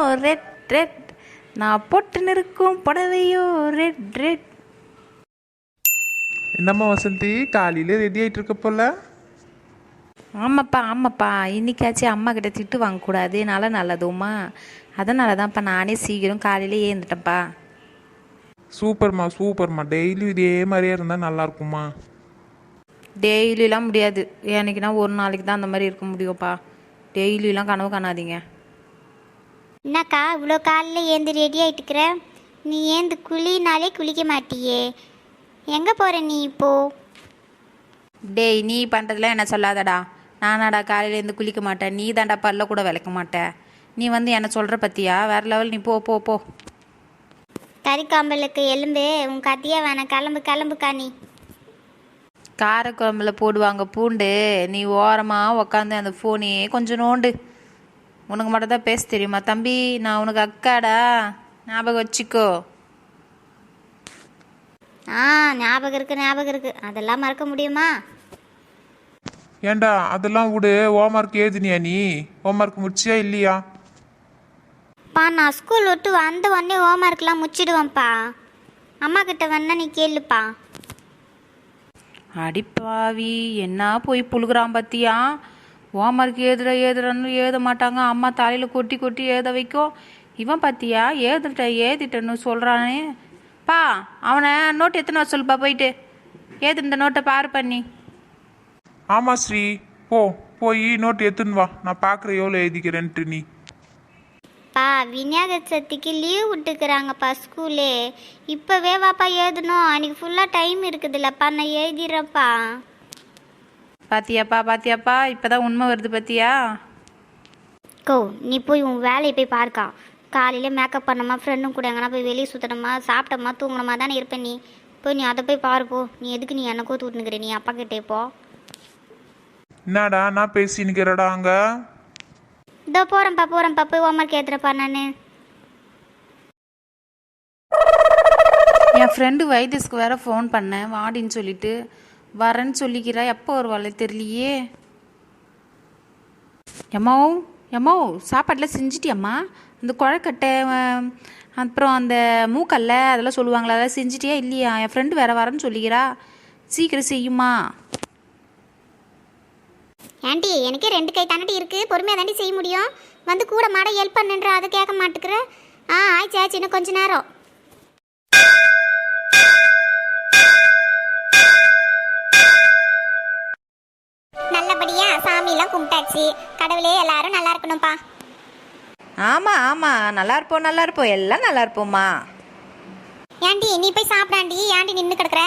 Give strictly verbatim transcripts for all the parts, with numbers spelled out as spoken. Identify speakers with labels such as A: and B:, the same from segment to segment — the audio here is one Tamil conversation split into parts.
A: ரெட் ரெட், நான் போட்டுன்னு இருக்கும் புடவையோ ரெட் ரெட்.
B: என்னம்மா வசந்தி, காலையில ரெடி ஆயிட்டு இருக்க போல?
A: ஆமாப்பா ஆமாப்பா, இன்னைக்காச்சும் அம்மா கிட்ட திட்டு வாங்கக்கூடாது, நல்லா நல்லதும்மா. அதனால தான்ப்பா நானே சீக்கிரம் காலையிலே ஏந்துட்டேன்ப்பா.
B: சூப்பர்மா சூப்பர்மா, டெய்லி இதே மாதிரியே இருந்தால் நல்லா இருக்குமா?
A: டெய்லிலாம் முடியாது, எனக்குன்னா ஒரு நாளைக்கு தான் அந்த மாதிரி இருக்க முடியும்ப்பா. டெய்லிலாம் கனவு காணாதீங்க.
C: என்னக்கா இவ்வளோ காலையில் ஏந்து ரெடி ஆகிட்டுக்கிற? நீ ஏந்து குளினாலே குளிக்க மாட்டியே, எங்கே போகிற நீ இப்போ?
A: டேய், நீ பண்ணுறதுலாம் என்ன சொல்லாதடா. நானாடா காலையிலேருந்து குளிக்க மாட்டேன், நீ தாண்டா பல்ல கூட விளக்க மாட்டேன். நீ வந்து என்ன சொல்கிற பற்றியா? வேறு லெவல், நீ போ போ போ.
C: கறிக்காம்பலுக்கு எலும்பு உன் கத்தியா வேணாம், கிளம்பு கிளம்புக்கா நீ.
A: காரக்குழம்புல போடுவாங்க பூண்டு, நீ ஓரமாக உக்காந்து அந்த ஃபோனையே கொஞ்சம் நோண்டு. உனக்கு மட்டும் தான் பேச தெரியுமா தம்பி? நான் உனக்கு அக்காடா, ஞாபகம் வச்சுக்கோ.
C: ஆ ஞாபகம் இருக்குது ஞாபகம் இருக்குது, அதெல்லாம் மறக்க முடியுமா?
B: ஏண்டா அதெல்லாம் விடு, ஹோம்ஒர்க் எழுதினியா நீ? ஹோம்ஒர்க் முடிச்சியா இல்லையா?
C: பா நான் ஸ்கூல் விட்டு வந்த உடனே ஹோம்ஒர்க்லாம் முடிச்சிடுவேன்ப்பா. அம்மா கிட்ட வேணா நீ கேளுப்பா.
A: அடிப்பாவி, என்ன போய் புழுகுறான் பத்தியா? ஹோம்ஒர்க் ஏதுற ஏதுறன்னு எழுத மாட்டாங்க, அம்மா தலையில் கொட்டி கொட்டி எழுத வைக்கும். இவன் பத்தியா ஏதுட்ட ஏதிட்டன்னு சொல்கிறானே. பா, அவனை நோட்டு எத்தனை வர சொல்லுப்பா, போயிட்டு ஏது இந்த நோட்டை பாரு பண்ணி.
B: ஆமாம் ஸ்ரீ, போ போய் நோட் எடுத்துன்னு வா, நான் பார்க்குறேன் எவ்வளோ எழுதிக்கிறேன்ட்டு. நீ
C: பா விநாயகர் சதுர்த்திக்கு லீவ் விட்டுக்கிறாங்கப்பா ஸ்கூலே, இப்போவே வாப்பா எழுதணும், அன்றைக்கி ஃபுல்லாக டைம் இருக்குதுல்லப்பா, நான் எழுதிடுறேன்ப்பா.
A: பாத்தியாப்பா பாத்தியாப்பா, இப்போதான் உண்மை வருது பத்தியா?
C: கோ நீ போய் உன் வேலையை போய் பார்க்கா. காலையில் மேக்கப் பண்ணமா, ஃப்ரெண்டும் கூட எங்கன்னா போய் வெளியே சுற்றணுமா, சாப்பிட்டோமா, தூங்கணுமா தானே இருப்பேன். நீ போய் நீ அதை போய் பாருப்போ. நீ எதுக்கு நீ எனக்கோ தூட்டுனுக்கிற? நீ அப்பா கிட்டே போ.
B: என்னடா நான் பேசினுக்கிறடா அங்கே?
C: இதோ போகிறேன்ப்பா போகிறேன்ப்பா, போய் ஹோம்ஒர்க் ஏற்றுறப்பா நான்.
A: என் ஃப்ரெண்டு வைத்தியஸ்க்கு வேற ஃபோன் பண்ணேன் வாடின்னு சொல்லிட்டு, வரேன்னு சொல்லிக்கிறா. எப்போ வருவாள் தெரியலையே. எம்மோ எம்மோ, சாப்பாட்டில் செஞ்சிட்டியம்மா? அந்த குழக்கட்டை, அப்புறம் அந்த மூக்கல்ல அதெல்லாம் சொல்லுவாங்களா, அதெல்லாம் செஞ்சிட்டியா இல்லையா? என் ஃப்ரெண்டு வேற வரேன்னு சொல்லிக்கிறா, சீக்கிரம் செய்யுமா?
C: ஆண்டி எனக்கே ரெண்டு கை தாண்டி இருக்குது, பொறுமையாக தாண்டி செய்ய முடியும். வந்து கூட மாட ஹெல்ப் பண்ணுன்ற, அதை கேட்க மாட்டேங்கிற. ஆ ஆச்சு ஆச்சு, இன்னும் கொஞ்ச நேரம். நல்லபடியா சாமியெல்லாம் கும்பிட்டாச்சு. கடவுளே எல்லாரும் நல்லா இருக்கணும்ப்பா.
A: ஆமாம் ஆமாம், நல்லா இருப்போம் நல்லா இருப்போம், எல்லாம் நல்லா இருப்போம்மா.
C: ஏண்டி நீ போய் சாப்பிடாண்டி, ஏண்டி நின்று கிடக்குற?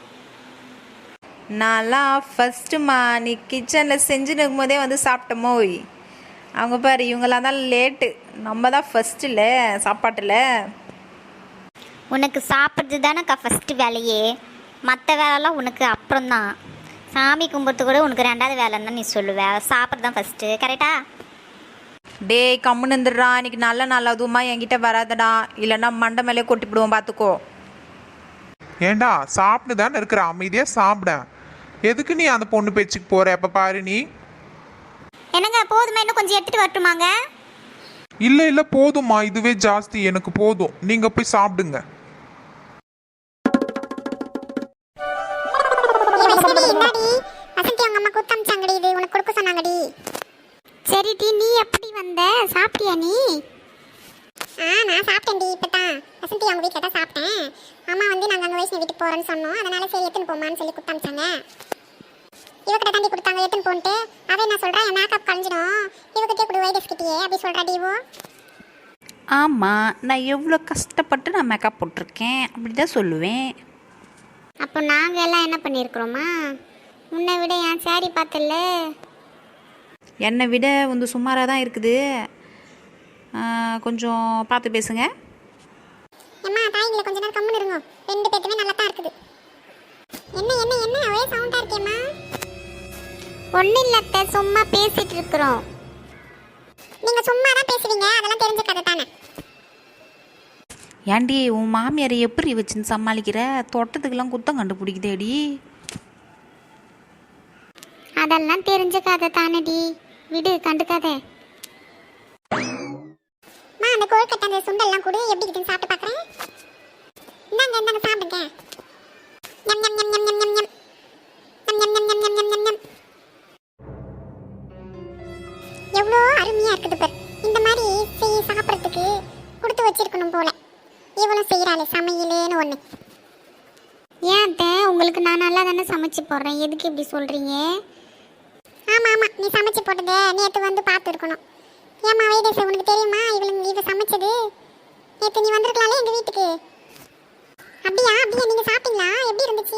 A: நான்லாம் ஃபஸ்ட்டுமா, நீ கிச்சனில் செஞ்சுன்னு இருக்கும்போதே வந்து சாப்பிட்டோமோ. அவங்க பாரு, இவங்களாம் தான் லேட்டு, நம்ம தான் ஃபஸ்ட்டில் சாப்பாட்டில்.
C: உனக்கு சாப்பிட்றது தானேக்கா ஃபஸ்ட்டு வேலையே, மற்ற வேலைலாம் உனக்கு அப்புறம்தான். சாமி கும்பிட்றது கூட உனக்கு ரெண்டாவது வேலைன்னு தான் நீ சொல்லுவ, சாப்பிட்றது தான் ஃபஸ்ட்டு, கரெக்டா?
A: டே கம்முன்னு இருந்துடுறா, இன்னைக்கு நல்ல நல்லதுமா என்கிட்ட வராதடா, இல்லைன்னா மண்டை மேலே கொட்டிப்பிடுவோம் பார்த்துக்கோ.
B: ஏண்டா சாப்பிட்டு தானே இருக்கிற, அமைதியாக சாப்பிட. எதுக்கு நீ அந்த பொண்ணு பேச்சுக்கு போற? எப்போ பாரு நீ.
C: என்னங்க போதுமா, இன்னும் கொஞ்சம் எடுத்துட்டு வரட்டுமாங்க?
B: இல்லை இல்லை போதுமா, இதுவே ஜாஸ்தி, எனக்கு போதும், நீங்கள் போய் சாப்பிடுங்க.
C: சரி டி, நீ எப்படி வந்த? சாப்பிட்டியா நீ?
D: ஆ நான் சாப்பிட்டேன்டி, இப்போ தான் வசந்தி அவங்க வீட்டில் தான் சாப்பிட்டேன். அம்மா வந்து நாங்கள் அங்கே வைஷ்ணவி வீட்டுக்கு போகிறோன்னு சொன்னோம், அதனால சரி எடுத்துன்னு போமான்னு சொல்லி கொடுத்தாமிச்சாங்க. இவக்கிட்ட தாண்டி கொடுத்தாங்க எடுத்துன்னு போன்ட்டு. அவன் என்ன சொல்கிறா, என் மேக்கப் கழிஞ்சிடும், இவக்கிட்டே கொடு வைரஸ்கிட்டே அப்படி சொல்கிறா டிவோ.
A: ஆமாம், நான் எவ்வளோ கஷ்டப்பட்டு நான் மேக்கப் போட்டிருக்கேன், அப்படி தான் சொல்லுவேன்.
C: அப்போ நாங்கள் எல்லாம் என்ன பண்ணியிருக்கிறோமா? முன்னை விட என் சாரி பார்த்தல.
A: என்னை விட வந்து சுமாராக தான் இருக்குது, கொஞ்சம் பார்த்து பேசுங்க.
D: அம்மா தாய்களை கொஞ்ச நேரம் கம்முன்னு இருங்க, ரெண்டு பேருக்குமே நல்லா தான் இருக்குது. என்ன என்ன என்ன ஒரே சவுண்டாக இருக்கேம்மா?
C: ஒன்றும் இல்லத்த, சும்மா பேசிகிட்டு இருக்கிறோம்.
D: நீங்கள் சும்மா தான் பேசுவீங்க, அதெல்லாம் தெரிஞ்ச கதை தானே.
A: ஏண்டி உன் மாமியாரை எப்படி வச்சுன்னு சமாளிக்கிற? தொட்டத்துக்கெல்லாம் குத்தம் கண்டுபிடிக்குதேடி.
C: அதெல்லாம் தெரிஞ்ச கதை தானடி, விடு, கண்டுக்காத.
D: மா அந்த கொழுக்கட்டை அந்த சுண்டெல்லாம் கூட எப்படி இருக்குன்னு சாப்பிட்டு பார்க்குறேன். இந்தாங்க இந்தாங்க சாப்பிடுங்க. ஞம் ஞம் ஞம் ஞம் ஞம் ஞம் ஞம். ஞம் ஞம் ஞம் ஞம் ஞம் ஞம் ஞம். எவ்வளோ அருமையாக இருக்குது பார். இந்த மாதிரி செய்ய சாப்பிட்றதுக்கு கொடுத்து வச்சிருக்கணும் போல. இவ்வளோ செய்கிறாளே சமையலேன்னு ஒன்று.
C: ஏன் அத்தை, உங்களுக்கு நான் நல்லா தானே சமைச்சு போடுறேன், எதுக்கு இப்படி சொல்கிறீங்க?
D: ஆமாம் ஆமாம், நீ சமைச்சு போட்டதை நேற்று வந்து பார்த்துருக்கணும். ஏம்மா வைதேச, உனக்கு தெரியுமா இவளுங்க இவ சமைச்சது? நேற்று நீ வந்திருக்கலாம்ல எங்கள் வீட்டுக்கு. அப்படியா அப்படியா, நீங்கள் சாப்பிட்டீங்களா? எப்படி இருந்துச்சு?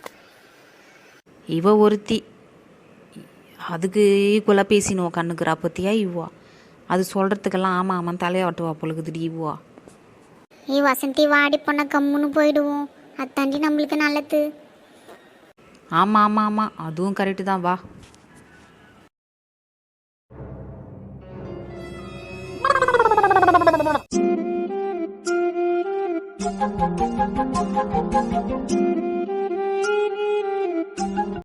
A: இவ ஒருத்தி அதுக்கு ஈக்குவலாக பேசினுவோம் கண்ணுக்குறா பற்றியா இவ்வா. அது சொல்கிறதுக்கெல்லாம் ஆமாம் ஆமாம் தலையாட்டுவா பொழுகுதுடி இவ்வா.
C: ஏ வசந்தி, வாடி பொண்ண கம்முன்னு போயிடுவோம், அத்தாண்டி நம்மளுக்கு நல்லது.
A: ஆமாம் ஆமாம் ஆமாம், அதுவும் கரெக்டு தான், வா.
E: Thank you.